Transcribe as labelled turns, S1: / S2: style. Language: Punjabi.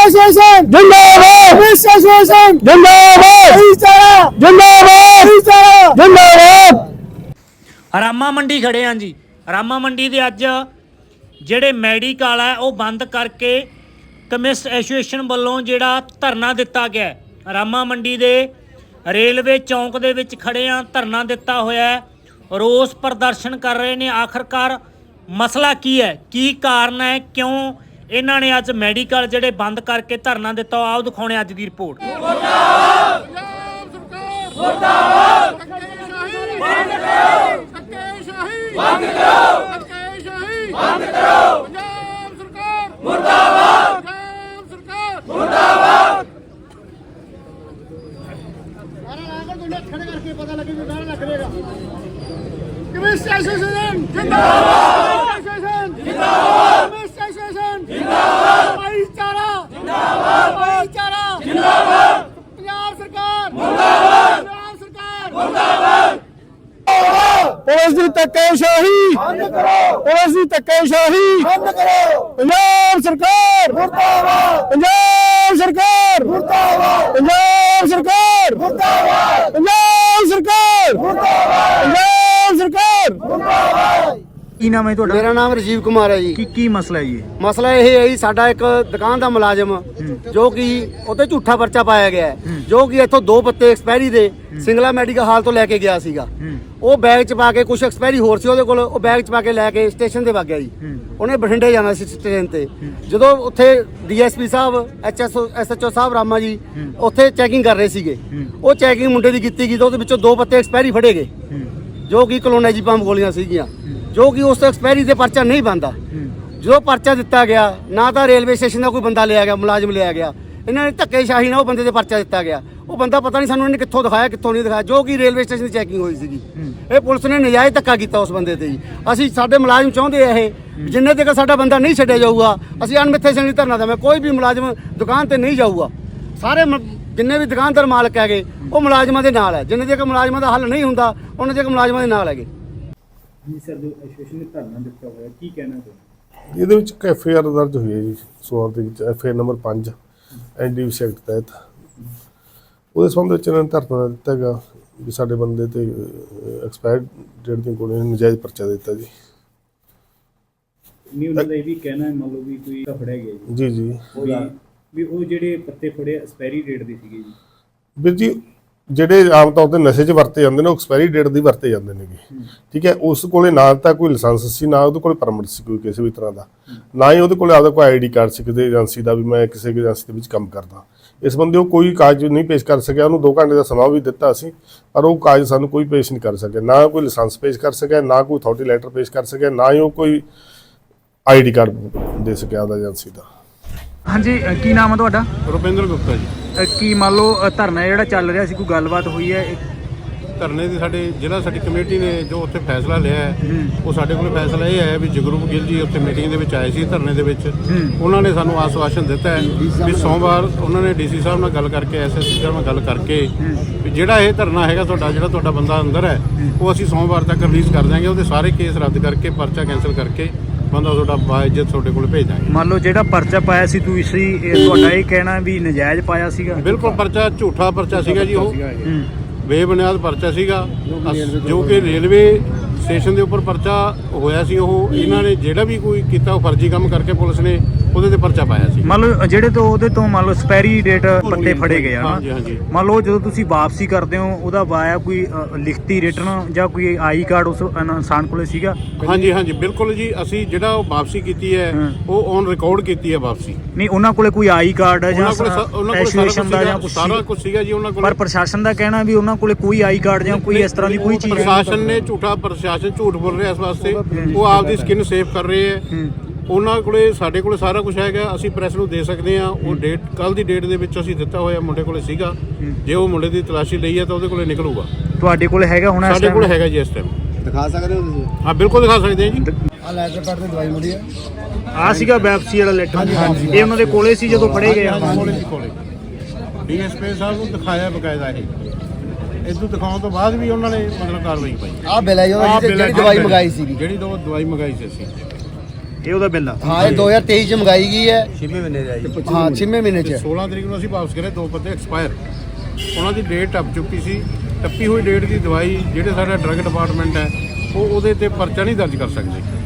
S1: ਐਸੋਸੀਏਸ਼ਨ ਜਿੰਦਾਬਾਦ, ਪੁਲਿਸ ਐਸੋਸੀਏਸ਼ਨ ਜਿੰਦਾਬਾਦ, ਜਿੰਦਾਬਾਦ, ਜਿੰਦਾਬਾਦ।
S2: ਰਾਮਾ ਮੰਡੀ ਖੜੇ ਹਾਂ ਜੀ। ਰਾਮਾ ਮੰਡੀ ਦੇ ਅੱਜ ਜਿਹੜੇ ਮੈਡੀਕਲ ਹੈ ਉਹ ਬੰਦ ਕਰਕੇ ਕੈਮਿਸਟ ਐਸੋਸੀਏਸ਼ਨ ਵੱਲੋਂ ਜਿਹੜਾ ਧਰਨਾ ਦਿੱਤਾ ਗਿਆ। ਰਾਮਾ ਮੰਡੀ ਦੇ ਰੇਲਵੇ ਚੌਂਕ ਦੇ ਵਿੱਚ ਖੜੇ ਹਾਂ, ਧਰਨਾ ਦਿੱਤਾ ਹੋਇਆ ਹੈ, ਰੋਸ ਪ੍ਰਦਰਸ਼ਨ ਕਰ ਰਹੇ ਨੇ। ਆਖਰਕਾਰ ਮਸਲਾ ਕੀ ਹੈ, ਕੀ ਕਾਰਨ ਹੈ, ਕਿਉਂ ਇਹਨਾਂ ਨੇ ਅੱਜ ਮੈਡੀਕਲ ਜਿਹੜੇ ਬੰਦ ਕਰਕੇ ਧਰਨਾ ਦਿੱਤਾ, ਆਓ ਦਿਖਾਉਣੇ ਅੱਜ ਦੀ ਰਿਪੋਰਟ।
S1: पुलिस की धक्केशाही बंद करो, पुलिस की धक्केशाही बंद करो। पंजाब सरकार मुर्दाबाद, पंजाब सरकार मुर्दाबाद, पंजाब सरकार मुर्दाबाद, पंजाब सरकार मुर्दाबाद, पंजाब सरकार मुर्दाबाद।
S3: ਕੀ ਨਾਮ ਹੈ ਤੁਹਾਡਾ?
S1: मेरा नाम राजीव कुमार है जी।
S3: ਕੀ ਮਸਲਾ ਹੈ ਜੀ?
S1: ਮਸਲਾ ਇਹ ਹੈ ਜੀ, ਸਾਡਾ ਇੱਕ ਦੁਕਾਨ ਦਾ ਮੁਲਾਜ਼ਮ ਜੋ ਕਿ ਉਹਤੇ ਝੂਠਾ ਪਰਚਾ ਪਾਇਆ ਗਿਆ ਹੈ, ਜੋ ਕਿ ਇੱਥੋਂ 2 ਪੱਤੇ ਐਕਸਪਾਇਰੀ ਦੇ ਸਿੰਗਲਾ ਮੈਡੀਕਲ ਹਾਲ ਤੋਂ ਲੈ ਕੇ ਗਿਆ ਸੀਗਾ। ਉਹ ਬੈਗ ਚ ਪਾ ਕੇ ਕੁਝ ਐਕਸਪਾਇਰੀ ਹੋਰ ਸੀ ਉਹਦੇ ਕੋਲ, ਉਹ ਬੈਗ ਚ ਪਾ ਕੇ ਲੈ ਕੇ ਸਟੇਸ਼ਨ ਤੇ ਵਗ ਗਿਆ ਜੀ। ਉਹਨੇ ਬਠਿੰਡੇ ਜਾਣਾ ਸੀ ਸਟੇਸ਼ਨ ਤੇ। ਜਦੋਂ ਉੱਥੇ ਡੀਐਸਪੀ ਸਾਹਿਬ, ਐਸਐਚਓ ਸਾਹਿਬ ਰਾਮਾ ਜੀ ਉੱਥੇ ਚੈਕਿੰਗ ਕਰ ਰਹੇ ਸੀਗੇ। ਉਹ ਚੈਕਿੰਗ ਮੁੰਡੇ ਦੀ ਕੀਤੀ ਗਈ ਤਾਂ ਉਹਦੇ ਵਿੱਚੋਂ 2 ਪੱਤੇ ਐਕਸਪਾਇਰੀ ਫੜੇ ਗਏ, ਜੋ ਕਿ ਕਲੋਨਾਈਜ਼ੇਪਾਮ ਗੋਲੀਆਂ ਸੀਗੀਆਂ, ਜੋ ਕਿ ਉਸ ਐਕਸਪਾਇਰੀ ਤੇ ਪਰਚਾ ਨਹੀਂ ਬਣਦਾ। ਜਦੋਂ ਪਰਚਾ ਦਿੱਤਾ ਗਿਆ, ਨਾ ਤਾਂ ਰੇਲਵੇ ਸਟੇਸ਼ਨ ਦਾ ਕੋਈ ਬੰਦਾ ਲਿਆ ਗਿਆ, ਮੁਲਾਜ਼ਮ ਲਿਆ ਗਿਆ, ਇਹਨਾਂ ਨੇ ਧੱਕੇਸ਼ਾਹੀ ਨਾਲ ਉਹ ਬੰਦੇ ਤੇ ਪਰਚਾ ਦਿੱਤਾ ਗਿਆ। ਉਹ ਬੰਦਾ ਪਤਾ ਨਹੀਂ ਸਾਨੂੰ ਇਹਨੇ ਕਿੱਥੋਂ ਦਿਖਾਇਆ, ਕਿੱਥੋਂ ਨਹੀਂ ਦਿਖਾਇਆ, ਜੋ ਕਿ ਰੇਲਵੇ ਸਟੇਸ਼ਨ ਦੀ ਚੈਕਿੰਗ ਹੋਈ ਸੀਗੀ। ਇਹ ਪੁਲਿਸ ਨੇ ਨਜਾਇਜ਼ ਧੱਕਾ ਕੀਤਾ ਉਸ ਬੰਦੇ ਤੇ ਜੀ। ਅਸੀਂ ਸਾਡੇ ਮੁਲਾਜ਼ਮ ਚਾਹੁੰਦੇ ਆ ਇਹ ਜਿੰਨੇ ਤੱਕ ਸਾਡਾ ਬੰਦਾ ਨਹੀਂ ਛੱਡਿਆ ਜਾਊਗਾ, ਅਸੀਂ ਅਣਮਿੱਥੇ ਸਿੰਘ ਧਰਨਾ ਦੇਵਾਂ। ਕੋਈ ਵੀ ਮੁਲਾਜ਼ਮ ਦੁਕਾਨ ਤੇ ਨਹੀਂ ਜਾਊਗਾ। ਸਾਰੇ ਜਿੰਨੇ ਵੀ ਦੁਕਾਨਦਾਰ ਮਾਲਕ ਹੈਗੇ ਉਹ ਮੁਲਾਜ਼ਮਾਂ ਦੇ ਨਾਲ ਹੈ। ਜਿੰਨੇ ਤੱਕ ਮੁਲਾਜ਼ਮਾਂ ਦਾ ਹੱਲ ਨਹੀਂ ਹੁੰਦਾ, ਉਹਨਾਂ ਤੱਕ ਮੁਲਾਜ਼ਮਾਂ ਦੇ ਨਾਲ ਹੈਗੇ।
S3: ਜੀ ਸਰ, ਜੋ ਐਸੋਸੀਏਸ਼ਨ ਨੇ ਧਰਨਾ ਦਿੱਤਾ ਹੋਇਆ, ਕੀ ਕਹਿਣਾ ਚਾਹੁੰਦੇ?
S4: ਇਹਦੇ ਵਿੱਚ ਐਫਆਈਆਰ ਦਰਜ ਹੋਈ ਹੈ ਜੀ ਸੋਮਵਾਰ ਦੇ ਵਿੱਚ, ਐਫਆਈਆਰ ਨੰਬਰ 5 ਐਨਡੀਪੀਸੀ ਐਕਟ ਤਹਿਤ। ਉਹਦੇ ਸੰਬੰਧ ਵਿੱਚ ਇਹਨਾਂ ਨੇ ਧਰਨਾ ਦਿੱਤਾ ਹੈਗਾ ਵੀ ਸਾਡੇ ਬੰਦੇ ਤੇ ਐਕਸਪਾਇਰਡ ਡੇਟ ਦੀਆਂ ਗੋਲੀਆਂ ਨਜਾਇਜ਼ ਪਰਚਾ ਦਿੱਤਾ ਜੀ।
S3: ਨਹੀਂ, ਉਹਨਾਂ ਦਾ ਇਹ ਵੀ ਕਹਿਣਾ ਹੈ, ਮੰਨ ਲਓ ਵੀ ਕੋਈ ਫੜਿਆ ਗਿਆ ਜੀ
S4: ਜੀ
S3: ਵੀ ਉਹ ਜਿਹੜੇ ਪੱਤੇ ਫੜੇ ਐਕਸਪਾਇਰੀ ਡੇਟ ਦੇ ਸੀਗੇ ਜੀ।
S4: ਵੀਰ ਜੀ, ਜਿਹੜੇ ਆਮ ਤੌਰ ਤੇ ਨਸ਼ੇ 'ਚ ਵਰਤੇ ਜਾਂਦੇ ਨੇ ਉਹ ਐਕਸਪਾਇਰੀ ਡੇਟ ਦੀ ਵਰਤੇ ਜਾਂਦੇ ਨੇਗੇ, ਠੀਕ ਹੈ। ਉਸ ਕੋਲੇ ਨਾ ਤਾਂ ਕੋਈ ਲਾਇਸੈਂਸ ਸੀ, ਨਾ ਉਹਦੇ ਕੋਲ ਪਰਮਿਟ ਸੀ ਕੋਈ ਕਿਸੇ ਵੀ ਤਰ੍ਹਾਂ ਦਾ, ਨਾ ਹੀ ਉਹਦੇ ਕੋਲ ਆਪਦਾ ਕੋਈ ਆਈਡੀ ਕਾਰਡ ਸੀ ਕਿਸੇ ਏਜੰਸੀ ਦਾ ਵੀ ਮੈਂ ਕਿਸੇ ਏਜੰਸੀ ਦੇ ਵਿੱਚ ਕੰਮ ਕਰਦਾ। ਇਸ ਬੰਦੇ ਉਹ ਕੋਈ ਕਾਗਜ਼ ਨਹੀਂ ਪੇਸ਼ ਕਰ ਸਕਿਆ। ਉਹਨੂੰ 2 ਘੰਟੇ ਦਾ ਸਮਾਂ ਵੀ ਦਿੱਤਾ ਸੀ, ਪਰ ਉਹ ਕਾਗਜ਼ ਸਾਨੂੰ ਕੋਈ ਪੇਸ਼ ਨਹੀਂ ਕਰ ਸਕਿਆ। ਨਾ ਕੋਈ ਲਾਇਸੈਂਸ ਪੇਸ਼ ਕਰ ਸਕਿਆ, ਨਾ ਕੋਈ ਅਥਾਰਟੀ ਲੈਟਰ ਪੇਸ਼ ਕਰ ਸਕਿਆ, ਨਾ ਹੀ ਉਹ ਕੋਈ ਆਈਡੀ ਕਾਰਡ ਦੇ ਸਕਿਆ ਉਹਦਾ ਏਜੰਸੀ ਦਾ।
S3: ਹਾਂਜੀ, ਕੀ ਨਾਮ ਹੈ ਤੁਹਾਡਾ?
S5: ਰੁਪਿੰਦਰ ਗੁਪਤਾ ਜੀ।
S3: ਕੀ ਮੰਨ ਲਓ ਧਰਨਾ ਜਿਹੜਾ ਚੱਲ ਰਿਹਾ ਸੀ, ਕੋਈ ਗੱਲਬਾਤ ਹੋਈ ਹੈ?
S5: ਧਰਨੇ ਦੀ ਸਾਡੀ ਕਮੇਟੀ ਨੇ ਜੋ ਉੱਥੇ ਫੈਸਲਾ ਲਿਆ ਹੈ, ਉਹ ਸਾਡੇ ਕੋਲ ਫੈਸਲਾ ਇਹ ਹੈ ਵੀ ਜਗਰੂਪ ਗਿੱਲ ਜੀ ਉੱਥੇ ਮੀਟਿੰਗ ਦੇ ਵਿੱਚ ਆਏ ਸੀ ਧਰਨੇ ਦੇ ਵਿੱਚ। ਉਹਨਾਂ ਨੇ ਸਾਨੂੰ ਆਸ਼ਵਾਸਨ ਦਿੱਤਾ ਹੈ ਵੀ ਸੋਮਵਾਰ ਉਹਨਾਂ ਨੇ ਡੀਸੀ ਸਾਹਿਬ ਨਾਲ ਗੱਲ ਕਰਕੇ, ਐਸਐਸਪੀ ਸਾਹਿਬ ਨਾਲ ਗੱਲ ਕਰਕੇ ਵੀ ਜਿਹੜਾ ਇਹ ਧਰਨਾ ਹੈਗਾ ਤੁਹਾਡਾ ਬੰਦਾ ਅੰਦਰ ਹੈ, ਉਹ ਅਸੀਂ ਸੋਮਵਾਰ ਤੱਕ ਰਿਲੀਜ਼ ਕਰ ਦਿਆਂਗੇ। ਉਹਦੇ ਸਾਰੇ ਕੇਸ ਰੱਦ ਕਰਕੇ, ਪਰਚਾ ਕੈਂਸਲ ਕਰਕੇ ਬੰਦਾ ਤੁਹਾਡਾ ਬਾਇਜ਼ਤ ਤੁਹਾਡੇ ਕੋਲ ਭੇਜ ਦਾਂਗੇ।
S3: ਮੰਨ ਲਓ ਜਿਹੜਾ ਪਰਚਾ ਪਾਇਆ ਸੀ ਤੁਸੀਂ, ਤੁਹਾਡਾ ਇਹ ਕਹਿਣਾ ਵੀ ਨਜਾਇਜ਼ ਪਾਇਆ ਸੀਗਾ?
S5: ਬਿਲਕੁਲ, ਪਰਚਾ ਝੂਠਾ ਪਰਚਾ ਸੀਗਾ ਜੀ। ਉਹ ਬੇਬੁਨਿਆਦ ਪਰਚਾ ਸੀਗਾ, ਜੋ ਕਿ ਰੇਲਵੇ ਸਟੇਸ਼ਨ ਦੇ ਉੱਪਰ ਪਰਚਾ ਹੋਇਆ ਸੀ। ਉਹ ਇਹਨਾਂ ਨੇ ਜਿਹੜਾ ਵੀ ਕੋਈ ਕੀਤਾ ਉਹ ਫਰਜ਼ੀ ਕੰਮ ਕਰਕੇ ਪੁਲਿਸ ਨੇ ਉਹਦੇ ਤੇ ਪਰਚਾ ਪਾਇਆ ਸੀ।
S3: ਮੰਨ ਲਓ ਜਿਹੜੇ ਤੋਂ ਉਹਦੇ ਤੋਂ ਮੰਨ ਲਓ ਐਕਸਪਾਇਰੀ ਡੇਟ ਪੱਤੇ ਫੜੇ ਗਏ ਆ,
S5: ਹਾਂਜੀ।
S3: ਮੰਨ ਲਓ ਜਦੋਂ ਤੁਸੀਂ ਵਾਪਸੀ ਕਰਦੇ ਹੋ ਉਹਦਾ ਵਾਇਆ ਕੋਈ ਲਿਖਤੀ ਰਿਟਰਨ ਜਾਂ ਕੋਈ ਆਈ ਕਾਰਡ ਉਸ ਇਨਸਾਨ ਕੋਲੇ ਸੀਗਾ?
S5: ਹਾਂਜੀ ਬਿਲਕੁਲ ਜੀ। ਅਸੀਂ ਜਿਹੜਾ ਉਹ ਵਾਪਸੀ ਕੀਤੀ ਹੈ ਉਹ ਔਨ ਰਿਕਾਰਡ ਕੀਤੀ ਹੈ ਵਾਪਸੀ।
S3: ਨਹੀਂ, ਉਹਨਾਂ ਕੋਲੇ ਕੋਈ ਆਈ ਕਾਰਡ ਹੈ ਜਾਂ ਐਸੋਸੀਏਸ਼ਨ ਦਾ ਜਾਂ ਕੁਝ
S5: ਸਾਰਾ ਕੁਝ ਸੀਗਾ ਜੀ ਉਹਨਾਂ ਕੋਲ।
S3: ਪਰ ਪ੍ਰਸ਼ਾਸਨ ਦਾ ਕਹਿਣਾ ਵੀ ਉਹਨਾਂ ਕੋਲੇ ਕੋਈ ਆਈ ਕਾਰਡ ਜਾਂ ਕੋਈ ਇਸ ਤਰ੍ਹਾਂ ਦੀ ਕੋਈ ਚੀਜ਼?
S5: ਪ੍ਰਸ਼ਾਸਨ ਨੇ ਝੂਠ ਬੋਲ ਰਿਹਾ ਇਸ ਵਾਸਤੇ। ਉਹ ਆਪਦੀ ਸਕਿਨ ਸੇਫ ਕਰ ਰਹੇ ਹੈ। ਉਹਨਾਂ ਕੋਲੇ ਸਾਡੇ ਕੋਲੇ ਸਾਰਾ ਕੁਝ ਹੈਗਾ, ਅਸੀਂ ਪ੍ਰੈਸ ਨੂੰ ਦੇ ਸਕਦੇ ਹਾਂ। ਉਹ ਡੇਟ ਕੱਲ ਦੀ ਡੇਟ ਦੇ ਵਿੱਚ ਅਸੀਂ ਦਿੱਤਾ ਹੋਇਆ ਮੁੰਡੇ ਕੋਲੇ ਸੀਗਾ। ਜੇ ਉਹ ਮੁੰਡੇ ਦੀ ਤਲਾਸ਼ੀ ਲਈ ਹੈ ਤਾਂ ਉਹਦੇ ਕੋਲੇ ਨਿਕਲੂਗਾ।
S3: ਤੁਹਾਡੇ ਕੋਲੇ ਹੈਗਾ ਹੁਣ?
S5: ਸਾਡੇ ਕੋਲ ਹੈਗਾ ਜੀ ਇਸ ਟਾਈਮ।
S1: ਦਿਖਾ ਸਕਦੇ ਹੋ ਤੁਸੀਂ?
S5: ਹਾਂ, ਬਿਲਕੁਲ ਦਿਖਾ ਸਕਦੇ ਹਾਂ ਜੀ।
S1: ਆ ਲੈਟਰ ਪੈਡ ਤੇ ਦਵਾਈ ਮਿਲੀ ਹੈ।
S3: ਆ ਸੀਗਾ ਵਾਪਸੀ ਵਾਲਾ ਲੈਟਰ? ਇਹ ਉਹਨਾਂ ਦੇ ਕੋਲੇ ਸੀ ਜਦੋਂ ਫੜੇ ਗਏ?
S5: ਕੋਲੇ ਡੀਐਸਪੀ ਸਾਹਿਬ ਨੂੰ ਦਿਖਾਇਆ ਬਕਾਇਦਾ। ਇਹ ਇਦੋਂ ਦਿਖਾਉਣ ਤੋਂ ਬਾਅਦ ਵੀ ਉਹਨਾਂ ਨੇ ਮਤਲਬ ਕਾਰਵਾਈ ਪਾਈ।
S1: ਆ ਬਿੱਲ ਹੈ ਜਿਹੜੀ ਦਵਾਈ ਮੰਗਾਈ ਸੀਗੀ,
S5: ਜਿਹੜੀ ਦਵਾਈ ਮੰਗਾਈ ਸੀ ਅਸੀਂ।
S3: ਇਹ ਉਹਦਾ ਬਿੱਲ ਆ।
S1: ਹਾਂ ਇਹ 2023 ਚ ਮੰਗਾਈ ਗਈ ਹੈ 6ਵੇਂ ਮਹੀਨੇ ਦੀ ਆਈ। ਹਾਂ 6ਵੇਂ ਮਹੀਨੇ ਚ
S5: 16 ਤਰੀਕ ਨੂੰ ਅਸੀਂ ਵਾਪਸ ਕਰੇ 2 ਪੱਤੇ ਐਕਸਪਾਇਰ, ਉਹਨਾਂ ਦੀ ਡੇਟ ਟੱਪ ਚੁੱਕੀ ਸੀ। ਟੱਪੀ ਹੋਈ ਡੇਟ ਦੀ ਦਵਾਈ ਜਿਹੜੇ ਸਾਡਾ ਡਰੱਗ ਡਿਪਾਰਟਮੈਂਟ ਹੈ ਉਹ ਉਹਦੇ ਤੇ ਪਰਚਾ ਨਹੀਂ ਦਰਜ ਕਰ ਸਕਦੇ।